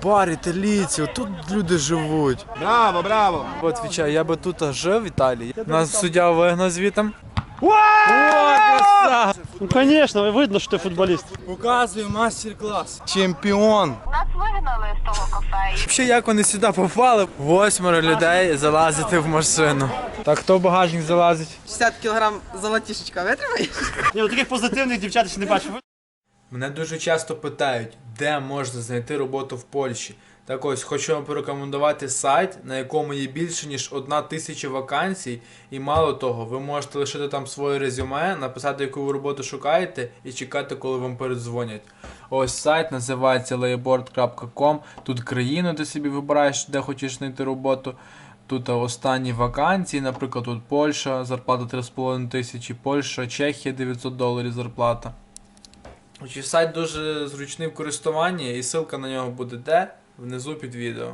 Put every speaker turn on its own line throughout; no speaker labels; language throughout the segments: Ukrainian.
бар італійці, тут люди живуть.
Браво, браво!
Отвічаю, я би тут жив в Італії. Нас суддя вигнав звітом.
О, ну, конечно, видно, що ти футболіст.
Показую мастер-клас. Чемпіон.
Нас вигнали з того кафе.
Взагалі, як вони сюди попали? 8 людей залазити в машину. Так, хто в багажник залазить?
60 кг золотішечка витримає?
Ні, ну таких позитивних дівчат ще не бачив.
Мене дуже часто питають, де можна знайти роботу в Польщі. Так ось, хочу вам порекомендувати сайт, на якому є більше ніж 1000 вакансій. І мало того, ви можете лишити там своє резюме, написати, яку ви роботу шукаєте і чекати, коли вам передзвонять. Ось сайт називається layboard.com. Тут країну, де собі вибираєш, де хочеш знайти роботу. Тут останні вакансії, наприклад, тут Польща, зарплата 3500, Польща, Чехія $900 зарплата. Сайт дуже зручний в користуванні і ссылка на нього буде де? Внизу під відео.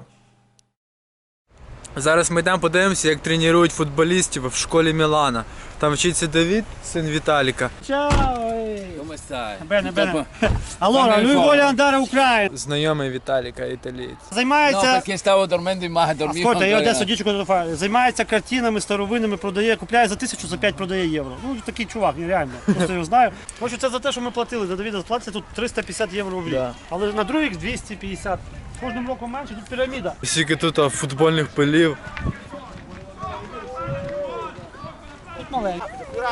Зараз ми йдемо подивимося, як тренують футболістів в школі Мілана. Там вчиться Давід, син Віталіка.
Чао!
Come stai?
Bene, bene. Allora, lui vuole andare a Ucraina.
Знайомий Віталіка, італієць.
No,
Займається...
perché stavo dormendo in mare, dormivo
Ascolta, io
ancora.
adesso dico cosa fa. Займається картинами старовинними, продає, купляє за 1000, за 5 продає євро. Ну, такий чувак, нереально. Просто його знаю. Хочу, це за те, що ми платили. За Давіда платиться тут 350 євро в рік.
Да.
Але на другий рік 250. Кожним роком менше, тут піраміда.
Скільки тут футбольних полів.
Тут маленько.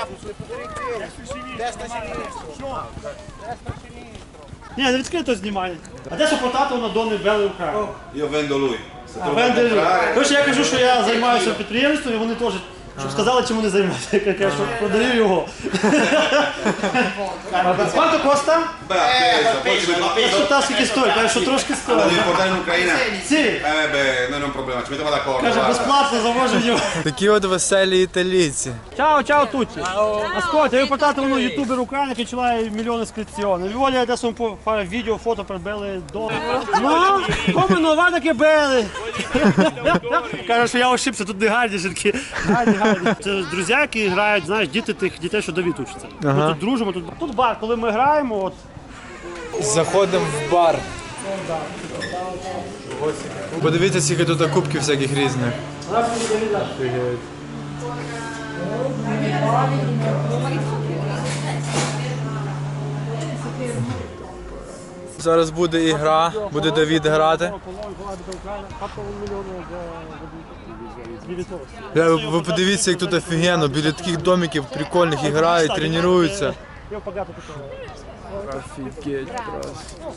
Ні, не відкрито знімає. А де потато на Дони Белли Україна?
Io vendo lui.
Короче, я кажу, що я займаюся підприємством, і вони теж, щоб сказали, чим вони займаються. Я кажу, що продаю його. Quanto costa?
Beh, appeso, poi ci vedo
Я спитав, скільки стоїть, каже, що трошки
Lo
стоїть.
devi portare in Ucraina?
Sì.
Beh, non è un problema, ci mettiamo d'accordo.
Каже,
guarda.
безплатно завожу його.
Такі от веселі італійці.
Ciao, ciao a tutti. Ascolta, io ho portato uno youtuber ucraino che ce l'ha un milione di iscrizioni. Vi voglio adesso un po' fare video, foto per belle donne. No, come no, guarda che belle. Каже, що я ошибся, тут не гарні жінки. Гарні. Це друзі, які грають, знаєш, діти тих дітей, що Давід учиться. Ми тут дружимо, тут бар, коли ми граємо, от.
Заходимо в бар. Подивіться, скільки тут кубків всяких різних. Зараз буде ігра, буде Давід грати. Ви подивіться, як тут офігенно, біля таких домиків прикольних і грають, тренуються. Офігеть просто.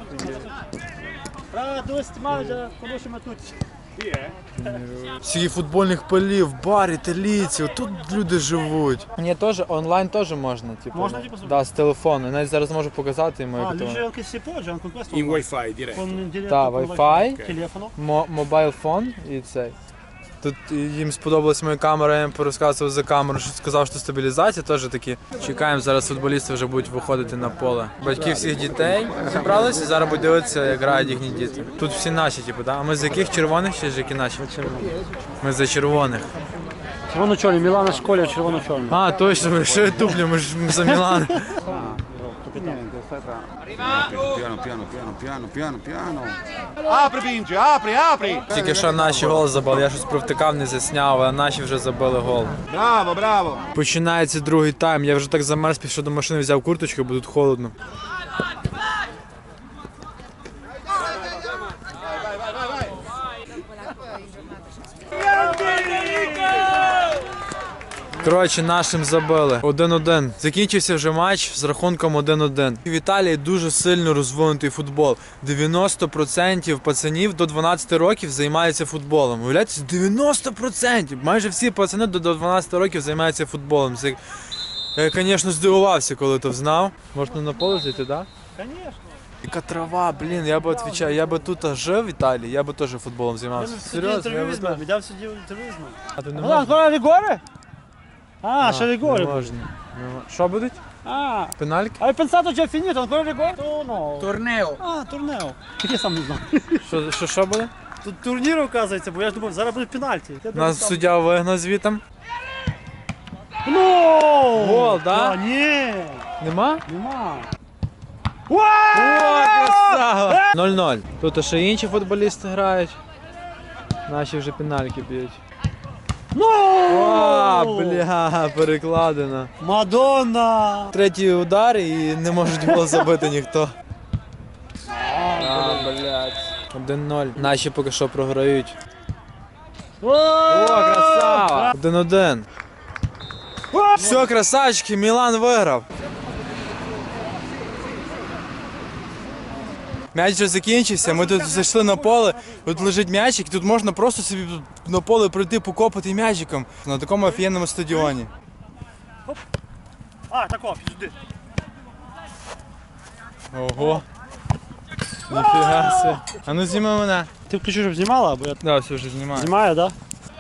Скільки футбольних полів, бар, італійці, тут люди живуть. Мені теж, онлайн теж можна, типу.
Можна, типу,
Да, з телефону. Навіть зараз можу показати йому, як
Lui
то.
c'è anche se poggia, anche questo.
In wifi direi.
Con diretto
Да,
con
Wi-Fi.
Телефону.
Мобайл фон і цей. Тут їм сподобалась моя камера, я їм порозказував за камеру, що сказав, що стабілізація теж такі. Чекаємо, зараз футболісти вже будуть виходити на поле. Батьки всіх дітей зібралися, зараз будуть дивитися, як грають їхні діти. Тут всі наші, типу, да? А ми з яких червоних чи з які наші? Ми за червоних.
Червоно-чорний, Мілана школя червоно-чорний.
А, точно, ми ще туплю, ми ж за Мілан.
Piano. Apri Vinci, apri, apri!
Тільки що наші гол забили, я щось провтикав, не засняв, а наші вже забили гол.
Bravo, bravo!
Починається другий тайм, я вже так замерз, пішов до машини, взяв курточку, бо тут холодно. Коротше, нашим забили. 1-1. Закінчився вже матч з рахунком 1-1. В Італії дуже сильно розвинутий футбол. 90% пацанів до 12 років займаються футболом. Уявляєте, 90%! Майже всі пацани до 12 років займаються футболом. Це... Я, звісно, здивувався, коли то знав. Можна на поле зайти, так?
Звісно.
Яка трава, блін, я би відповідаю, я би тут жив в Італії, я би теж футболом займався. Серйозно, я би так.
Віддав сюди інтерв'ю з ним.
А тут не
Алан,
можна?
скоро Рігоре? А, ще
Не
Рігоре.
можна. Що будуть?
А,
Пенальки?
hai pensato già finito, ancora Rigore? No.
Torneo.
А, турнео. Я сам не знав.
Що буде?
Тут турнір, оказується, бо я ж думав, зараз буде пенальті.
Нас суддя вигнав звітом.
Ну!
Гол, да?
Ні,
Нема?
нема.
О, красава! 0-0. Тут ще інші футболісти грають. Наші вже пенальки б'ють.
Ну!
О, бля, перекладина.
Мадонна!
Третій удар і не можуть було забити ніхто. Блядь. 1-0. Наші поки що програють. О, красава! 1-1. Все, красавчики, Мілан виграв. М'яч вже закінчився, ми тут зайшли на поле, тут лежить м'ячик, тут можна просто собі на поле пройти, покопати м'ячиком на такому офігенному стадіоні.
А, тако, піджди.
Ого. Ніфіга себе. А ну зніми мене.
Ти включи, щоб знімала, або я
Да, все вже знімаю.
знімаю, да?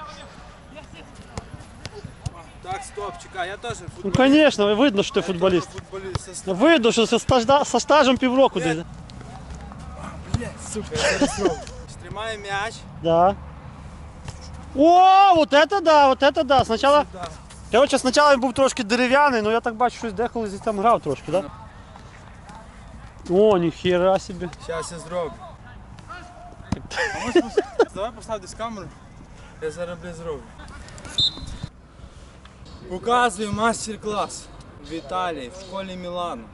Так, стоп, чекай, я теж
Ну, звісно, видно, що ти футболіст.
футболіст.
Видно, що со стажем півроку десь.
Сука, я зараз роблю. Тримаю м'яч.
Да. О, вот это да, вот это да. Сначала, короче, спочатку він був трошки дерев'яний, але я так бачу, що деколи здесь там грав трошки, да? О, ніхера собі.
Зараз я зроблю. Давай постав десь камеру. Я зараз зроблю. Показую мастер-клас в Італії, в школі Мілану.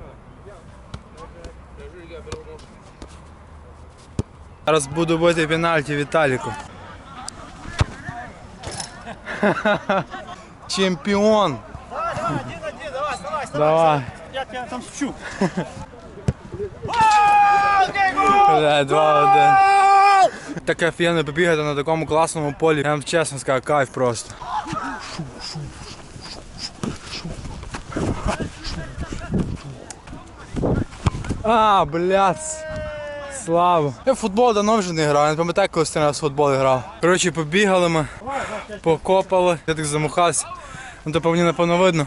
Зараз буду бити пенальті Віталіку. Чемпіон. Давай.
Я тебе там вчу.
Бля, 2-1. Так офігенно побігати на такому класному полі. Я вам чесно скажу, кайф просто. А, блядь. Слава. Я в футбол давно вже не грав, я не пам'ятаю, коли останній раз в футбол грав. Коротше, побігали ми, покопали, я так замахався. Ну то по мені напевно видно.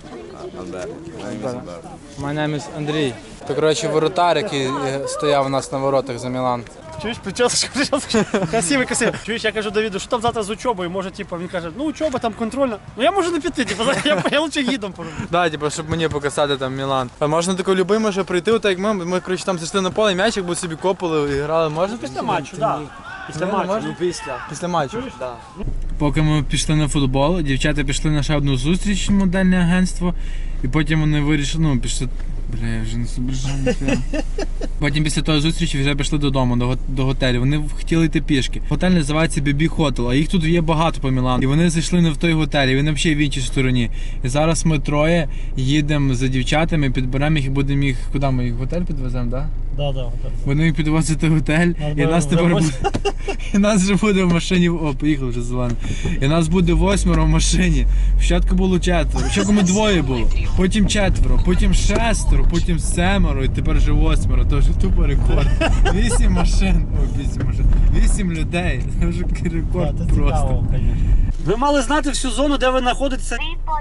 My name is Андрій. То, коротше, воротар, який стояв у нас на воротах за Мілан.
Чуєш, прическа. Красивий. Чуєш, я кажу Давіду, що там завтра з учобою? Може, типу, він каже, ну учоба там контрольна. Ну я можу не піти, типу, я лучше гідом пороблю.
Да, типу, щоб мені показати там Мілан. А можна тако любий може прийти, так як ми коротше, там зайшли на поле, м'ячик, бо собі копали і грали. Можна
Після матчу, так. Після матчу.
Після матчу. Поки ми пішли на футбол, дівчата пішли на ще одну зустріч в модельне агентство, і потім вони вирішили, ну, пішли. Бля, я вже не зображаю. Потім після тої зустрічі вже пішли додому, до готелю. Вони хотіли йти пішки. Готель називається BB Hotel, а їх тут є багато по Мілану. І вони зайшли не в той готель, і вони взагалі в іншій стороні. І зараз ми троє їдемо за дівчатами, підберемо їх і будемо їх, куди ми їх в готель підвеземо, так?
Да.
Будемо їх підвозити в готель, і нас тепер буде... І нас вже буде в машині, о, поїхав вже зелений. І нас буде 8 в машині. Спочатку було 4, спочатку ми 2 було, потім 4, потім 6, потім 7, і тепер вже 8, то вже тупо рекорд. 8 машин, о, 8 машин, 8 людей, це вже рекорд просто.
Ви мали знати всю зону, де ви знаходитеся.
Віпо,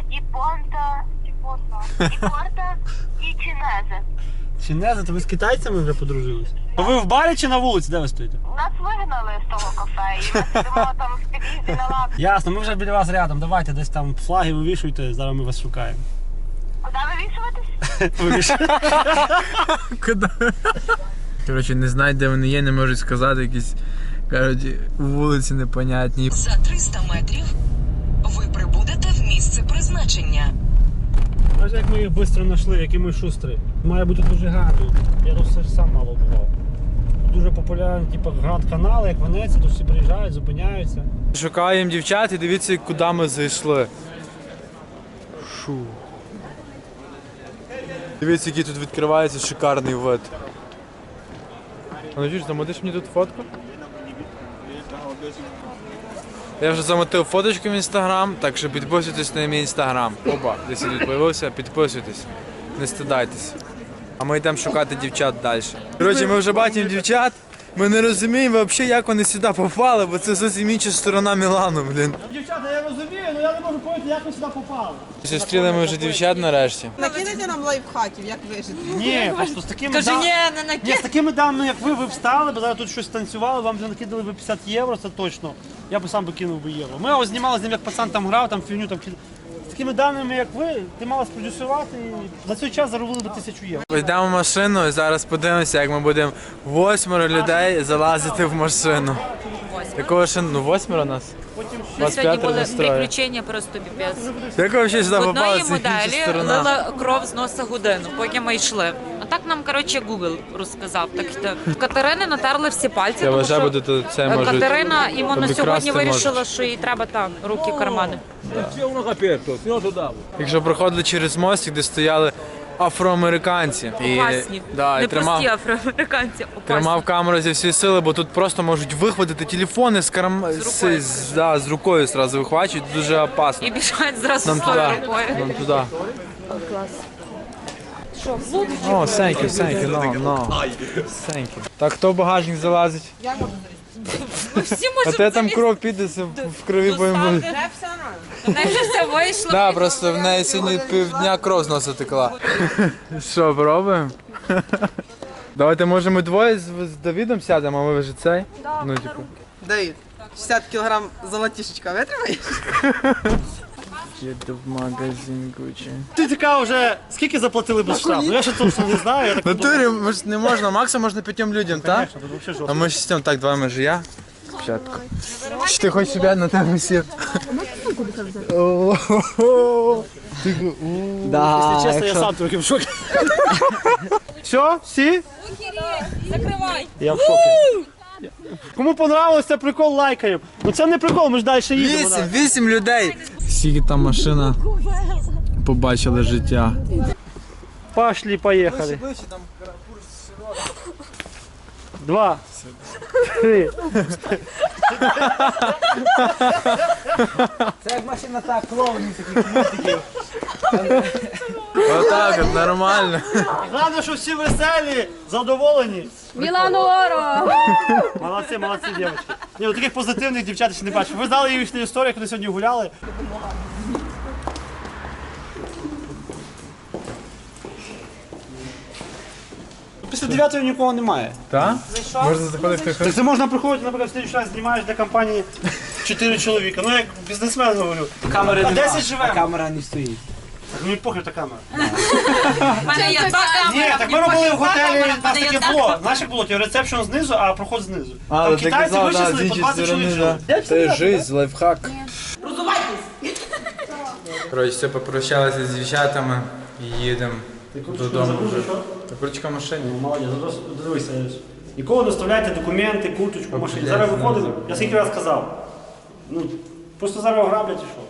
Діпорта і Чінезе.
Чинези, то ви з китайцями вже подружились? Ви в барі чи на вулиці, де ви стоїте?
Нас вигнали з того кафе, і ми сидимо там в під'їзді на лавці.
Ясно, ми вже біля вас рядом, давайте десь там флаги вивішуйте, зараз ми вас шукаємо.
Куди вивішуватись?
Коротше, не знають, де вони є, не можуть сказати, якісь, кажуть, вулиці непонятні.
За 300 метрів ви прибудете в місце призначення.
Ось як ми їх швидко знайшли, які ми шустрі. Має бути дуже гарно. Я тут все ж сам мало бував. Тут дуже популярні, типу, гранд-канали, як Венеція, тут всі приїжджають, зупиняються.
Шукаємо дівчат і дивіться, куди ми зайшли. Шу. Дивіться, який тут відкривається шикарний вид. А ну чуєш, замотиш мені тут фотку? Я вже замотив фоточку в інстаграм, так що підписуйтесь на мій інстаграм. Опа, десь тут з'явився, підписуйтесь, не стидайтесь. А ми йдемо шукати дівчат далі. Коротше, ми вже бачимо дівчат, ми не розуміємо взагалі, як вони сюди попали, бо це зовсім інша сторона Мілану, блін.
Дівчата, я розумію, але я не можу поняти, як ви сюди попали.
Зустріли ми вже дівчат нарешті.
Накидайте нам лайфхаків, як вижити.
Ні, просто з такими
Кажи,
даними.
ні, не накидай.
З такими даними, як ви встали, бо зараз тут щось танцювали, вам вже накидали би 50 євро, це точно. Я б сам би кинув би євро. Ми ось знімали з ним, як пацан там грав, там фігню там кидав. такими даними, як ви, ти мала спродюсувати і за цей час заробили би 1000 євро.
Йдемо в машину і зараз подивимося, як ми будемо 8 людей залазити в машину. Такого ще, 8 нас?
На сьогодні були
настроє.
приключення просто піпець.
Як ви взагалі сюди
В
попали,
одної
це інша
моделі
сторона?
лила кров з носа годину, поки ми йшли. А так нам, коротше, Google розказав. Так що в Катерини натерли всі пальці,
Я
тому
вважаю,
що
буде тут це може.
Катерина іменно
обікрасти
сьогодні вирішила,
можуть.
що їй треба так, руки кармани.
Якщо проходили через мостик, де стояли афроамериканці.
Опасні.
Да,
Не
і
прості афроамериканці, опасні.
тримав камеру зі всієї сили, бо тут просто можуть вихватити телефони з
рукою.
з рукою зразу вихвачують, дуже опасно.
І біжать зразу
Нам
з
туди,
тою рукою.
нам туди. О, thank you, no. Thank you. Так, хто в багажник залазить?
Ми всі
А
можемо
те там
залізти.
кров піде, в крові будемо.
Доставити. В неї вже все вийшло.
Да, просто в неї сьогодні півдня кров з носа текла. Що, пробуємо? Давайте, може, ми двоє з Давідом сядемо, а ви вже цей? Ну, типу.
Давид, 60 кілограм золотішечка витримаєш?
Їду в магазин Gucci.
Ти така вже, скільки заплатили без штрафу? Ну, я ще точно не знаю, я так
В натурі може, не можна, максимум можна 5 людям, так?
Конечно, тут вообще жорстко.
А ми шістям, так, два може я. Спочатку. Чи ти хочеш, щоб я на тебе сів?
Якщо чесно, я сам трохи в шокі. Все, всі?
Закривай.
Я в шокі. Кому понравилось цей прикол, лайкаємо. Ну це не прикол, ми ж далі їдемо.
8 людей. Скільки там машина побачила життя.
Пошли, поїхали. 2, 3.
Це як машина так, клоунів таких мультиків.
Отак, от, нормально.
Головне, що всі веселі, задоволені.
Мілану Оро!
Молодці, дівчатки. Ні, ну таких позитивних дівчат ще не бачу. Ви знали їхню історію, коли сьогодні гуляли. Після 9-ї нікого немає.
Так? Можна заходити
Так це можна приходити, наприклад, в слідчий раз знімаєш для компанії 4 чоловіка. Ну як бізнесмен говорю.
Камери
А
нема,
10 живемо.
а камера не стоїть.
Так мені похер та камера.
У мене є та
Ні,
камера.
так ми були в готелі, у нас таке
та
було. Наших було рецепшн знизу, а проход знизу.
А,
Там
ти
китайці
казав, да, з
вичислили по
іншої
20
сторони,
чоловік.
да. Це жизнь, лайфхак. Коротше, все, попрощалися з дівчатами і їдемо додому. Ручка в машині.
Молодець, дивися. Ніколи не оставляйте документи, курточку в машині. Зараз виходимо, я скільки раз казав. Ну, просто зараз ограблять і що.